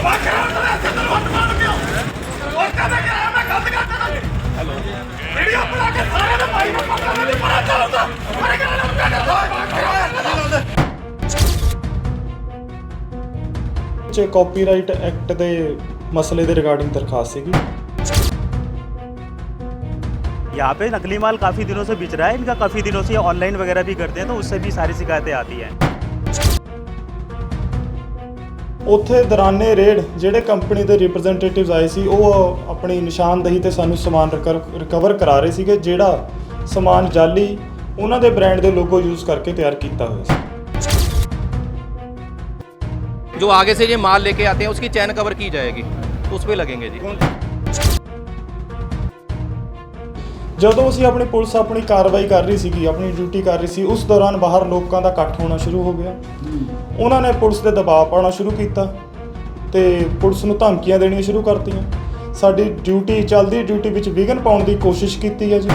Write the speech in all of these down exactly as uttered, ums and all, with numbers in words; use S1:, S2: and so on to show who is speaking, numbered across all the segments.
S1: Copyright act के मसले के रिगार्डिंग दरखास्त सी।
S2: यहाँ पे नकली माल काफ़ी दिनों से बिच रहा है, इनका काफ़ी दिनों से ऑनलाइन वगैरह भी करते हैं, तो उससे भी सारी शिकायतें आती हैं।
S1: उत्थे दौराने रेड ਜਿਹੜੇ ਕੰਪਨੀ ਦੇ ਰਿਪਰੈਜ਼ੈਂਟੇਟਿਵਸ ਆਏ ਸੀ ਉਹ ਆਪਣੀ ਨਿਸ਼ਾਨਦੇਹੀ ਤੇ ਸਾਨੂੰ ਸਮਾਨ ਰਿਕਵਰ ਕਰਾ ਰਹੇ ਸੀਗੇ ਜਿਹੜਾ ਸਮਾਨ ਜਾਲੀ ਉਹਨਾਂ ਦੇ ਬ੍ਰਾਂਡ ਦੇ ਲੋਗੋ ਯੂਜ਼ ਕਰਕੇ ਤਿਆਰ ਕੀਤਾ ਹੋਇਆ ਸੀ।
S3: जो आगे से ये माल लेके आते हैं उसकी चैन कवर की जाएगी, तो उस पर लगेंगे जी।
S1: ਜਦੋਂ ਅਸੀਂ ਆਪਣੀ ਪੁਲਿਸ ਆਪਣੀ ਕਾਰਵਾਈ ਕਰ ਰਹੀ ਸੀਗੀ, ਆਪਣੀ ਡਿਊਟੀ ਕਰ ਰਹੀ ਸੀ, ਉਸ ਦੌਰਾਨ ਬਾਹਰ ਲੋਕਾਂ ਦਾ ਇਕੱਠ ਹੋਣਾ ਸ਼ੁਰੂ ਹੋ ਗਿਆ। ਉਹਨਾਂ ਨੇ ਪੁਲਿਸ ਦੇ ਦਬਾਅ ਪਾਉਣਾ ਸ਼ੁਰੂ ਕੀਤਾ ਤੇ ਪੁਲਿਸ ਨੂੰ ਧਮਕੀਆਂ ਦੇਣੀਆਂ ਸ਼ੁਰੂ ਕਰਤੀਆਂ। ਸਾਡੀ ਡਿਊਟੀ ਚੱਲਦੀ ਡਿਊਟੀ ਵਿੱਚ ਵਿਘਨ ਪਾਉਣ ਦੀ ਕੋਸ਼ਿਸ਼ ਕੀਤੀ ਹੈ ਜੀ।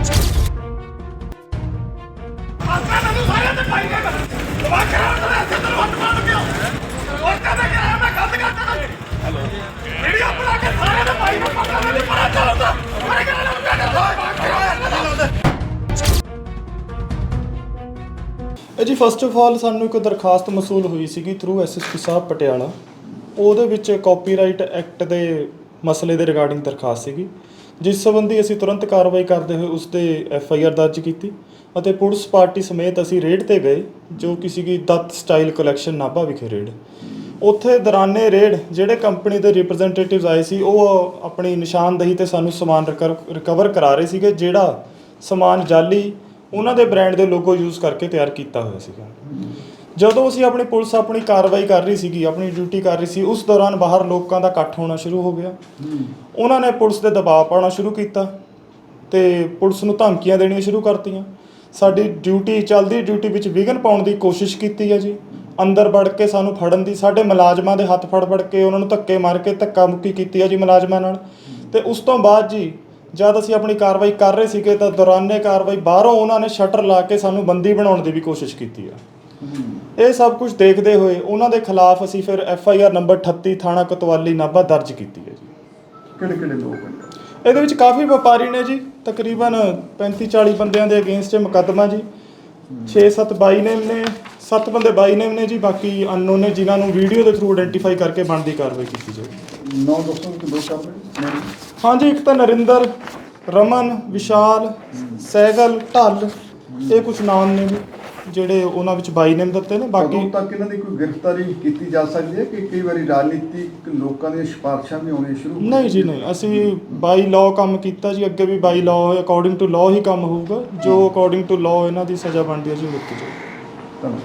S1: जी फस्ट ऑफ ऑल सानू एक दरखास्त मसूल हुई सी थ्रू एस एस पी साहब पटियाला। ਉਹਦੇ ਵਿੱਚ ਕਾਪੀਰਾइट एक्ट के मसले के रिगार्डिंग दरखास्त सी, जिस संबंधी असी तुरंत कार्रवाई करते हुए उस पर एफ आई आर दर्ज की ਅਤੇ पुलिस पार्टी समेत असी रेड ते गए जो कि सी दत्त स्टाइल कलैक्शन नाभा विखे रेड। ਉੱਥੇ ਦੌਰਾਨੇ ਰੇਡ ਜਿਹੜੇ ਕੰਪਨੀ ਦੇ ਰਿਪਰੈਜ਼ੈਂਟੇਟਿਵਸ ਆਏ ਸੀ ਉਹ ਆਪਣੀ ਨਿਸ਼ਾਨਦੇਹੀ ਤੇ ਸਾਨੂੰ ਸਮਾਨ ਰਿਕਵਰ ਕਰਾ ਰਹੇ ਸੀਗੇ ਜਿਹੜਾ ਸਮਾਨ ਜਾਲੀ ਉਹਨਾਂ ਦੇ ਬ੍ਰਾਂਡ ਦੇ ਲੋਗੋ ਯੂਜ਼ ਕਰਕੇ ਤਿਆਰ ਕੀਤਾ ਹੋਇਆ ਸੀਗਾ। ਜਦੋਂ ਅਸੀਂ ਆਪਣੀ ਪੁਲਿਸ ਆਪਣੀ ਕਾਰਵਾਈ ਕਰ ਰਹੀ ਸੀਗੀ, ਆਪਣੀ ਡਿਊਟੀ ਕਰ ਰਹੀ ਸੀ, ਉਸ ਦੌਰਾਨ ਬਾਹਰ ਲੋਕਾਂ ਦਾ ਇਕੱਠ ਹੋਣਾ ਸ਼ੁਰੂ ਹੋ ਗਿਆ। ਉਹਨਾਂ ਨੇ ਪੁਲਿਸ ਦੇ ਦਬਾਅ ਪਾਉਣਾ ਸ਼ੁਰੂ ਕੀਤਾ ਤੇ ਪੁਲਿਸ ਨੂੰ ਧਮਕੀਆਂ ਦੇਣੀਆਂ ਸ਼ੁਰੂ ਕਰਤੀਆਂ। ਸਾਡੀ ਡਿਊਟੀ ਚੱਲਦੀ ਡਿਊਟੀ ਵਿੱਚ ਵਿਘਨ ਪਾਉਣ ਦੀ ਕੋਸ਼ਿਸ਼ ਕੀਤੀ ਹੈ ਜੀ। ਅੰਦਰ ਵੜ ਕੇ ਸਾਨੂੰ ਫੜਨ ਦੀ, ਸਾਡੇ ਮੁਲਾਜ਼ਮਾਂ ਦੇ ਹੱਥ ਫੜ ਫੜ ਕੇ ਉਹਨਾਂ ਨੂੰ ਧੱਕੇ ਮਾਰ ਕੇ ਧੱਕਾ ਮੁੱਕੀ ਕੀਤੀ ਹੈ ਜੀ ਮੁਲਾਜ਼ਮਾਂ ਨਾਲ। ਤੇ ਉਸ ਤੋਂ ਬਾਅਦ ਜੀ ਜਦ ਅਸੀਂ ਆਪਣੀ ਕਾਰਵਾਈ ਕਰ ਰਹੇ ਸੀਗੇ ਤਾਂ ਦੌਰਾਨੇ ਕਾਰਵਾਈ ਬਾਹਰੋਂ ਉਹਨਾਂ ਨੇ ਸ਼ਟਰ ਲਾ ਕੇ ਸਾਨੂੰ ਬੰਦੀ ਬਣਾਉਣ ਦੀ ਵੀ ਕੋਸ਼ਿਸ਼ ਕੀਤੀ ਆ। ਇਹ ਸਭ ਕੁਝ ਦੇਖਦੇ ਹੋਏ ਉਹਨਾਂ ਦੇ ਖਿਲਾਫ ਅਸੀਂ ਫਿਰ ਐਫ ਆਈ ਆਰ ਨੰਬਰ ਅਠੱਤੀ ਥਾਣਾ ਕੋਤਵਾਲੀ ਨਾਭਾ ਦਰਜ ਕੀਤੀ ਹੈ ਜੀ।
S4: ਕਿਹੜੇ ਕਿਹੜੇ ਲੋਕ ਹਨ
S1: ਇਹਦੇ ਵਿੱਚ? ਕਾਫੀ ਵਪਾਰੀ ਨੇ ਜੀ, ਤਕਰੀਬਨ ਪੈਂਤੀ ਚਾਲੀ ਬੰਦਿਆਂ ਦੇ ਅਗੇਂਸਟ ਮੁਕੱਦਮਾ ਜੀ। ਛੇ ਸੱਤ ਬਾਈ ਨੇਮ ਨੇ, ਸੱਤ ਬੰਦੇ ਬਾਈ ਨੇਮ ਨੇ ਜੀ, ਬਾਕੀ ਅਨਨੋਨ ਨੇ ਜਿਨ੍ਹਾਂ ਨੂੰ ਵੀਡੀਓ ਦੇ ਥਰੂ ਆਇਡੈਂਟੀਫਾਈ ਕਰਕੇ ਬਣਦੀ ਕਾਰਵਾਈ ਕੀਤੀ ਜਾਵੇ।
S4: ਨੌ ਦੋਸਤੋਂ ਕਿ ਦੋ ਸਾਹਮਣੇ
S1: ਹਾਂਜੀ, ਇੱਕ ਤਾਂ ਨਰਿੰਦਰ, ਰਮਨ, ਵਿਸ਼ਾਲ, ਸਹਿਗਲ, ਢੱਲ, ਇਹ ਕੁਝ ਨਾਮ ਨੇ ਜੀ ਜਿਹੜੇ ਉਹਨਾਂ ਵਿੱਚ ਬਾਈ ਨੇਮ ਦਿੱਤੇ ਨੇ। ਬਾਕੀ
S4: ਉਦੋਂ ਤੱਕ ਇਹਨਾਂ ਦੀ ਕੋਈ ਗ੍ਰਿਫਤਾਰੀ ਕੀਤੀ ਜਾ ਸਕਦੀ ਹੈ ਕਿ ਕਈ ਵਾਰੀ ਰਾਜਨੀਤਿਕ ਲੋਕਾਂ ਦੀਆਂ ਸਿਫਾਰਸ਼ਾਂ ਵੀ ਆਉਣੀਆਂ ਸ਼ੁਰੂ ਹੋ
S1: ਨਹੀਂ ਜੀ ਨਹੀਂ, ਅਸੀਂ ਬਾਈ ਲਾਅ ਕੰਮ ਕੀਤਾ ਜੀ, ਅੱਗੇ ਵੀ by law according to law ਹੀ ਕੰਮ ਹੋਊਗਾ। ਜੋ ਅਕੋਰਡਿੰਗ ਟੂ ਲਾਅ ਇਹਨਾਂ ਦੀ ਸਜ਼ਾ ਬਣਦੀ ਹੈ ਜੀ ਦਿੱਤੀ ਜਾਊਗੀ।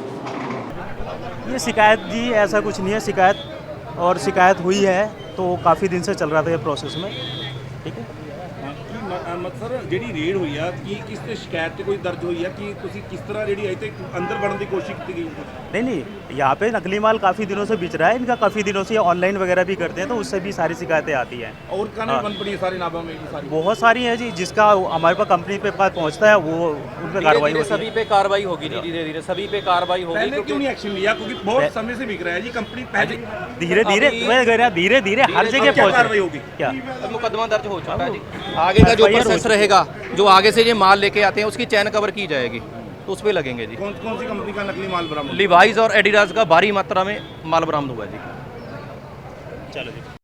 S2: ये शिकायत जी ऐसा कुछ नहीं है, शिकायत और शिकायत हुई है तो काफ़ी दिन से चल रहा था ये प्रोसेस में। ठीक है
S5: ਸਰ ਜਿਹੜੀ ਰੇਡ ਹੋਈ ਆ ਕੀ ਕਿਸ ਤੇ ਸ਼ਿਕਾਇਤ ਤੇ ਕੋਈ ਦਰਜ ਹੋਈ ਆ ਕਿ ਤੁਸੀਂ ਕਿਸ ਤਰ੍ਹਾਂ ਜਿਹੜੀ ਅਜੇ ਤੱਕ ਅੰਦਰ ਵੜਨ ਦੀ ਕੋਸ਼ਿਸ਼ ਕੀਤੀ गई?
S2: नहीं नहीं, यहाँ पे नकली माल काफ़ी दिनों से बिच रहा है, इनका काफ़ी दिनों से ऑनलाइन वगैरह भी करते हैं, तो उससे भी सारी शिकायतें आती हैं।
S5: और कहने बन पड़ी है सारे नाभा में की सारी
S2: बहुत सारी हैं जी, जिसका हमारे पास कंपनी पे पास पहुँचता है वो उन पर कार्रवाई होती है।
S3: सभी पे कार्रवाई होगी जी, धीरे धीरे सभी पे कार्रवाई होगी।
S5: पहले क्यों नहीं एक्शन लिया? क्योंकि बहुत समय से बिक रहा है जी कंपनी। पहले
S2: धीरे धीरे मैं कह रहा धीरे धीरे हर जगह पहुँच
S5: कार्रवाई होगी।
S2: क्या
S3: मुकदमा दर्ज हो चुका है जी। आगे का जो प्रोसेस रहेगा, जो आगे से ये माल लेके आते हैं उसकी चैन कवर की जाएगी, तो उस पर लगेंगे जी।
S5: कौन कौन सी कंपनी का नकली माल बरामद?
S3: लिवाइज और एडिडास का भारी मात्रा में माल बरामद हुआ है जी।
S2: चलो जी।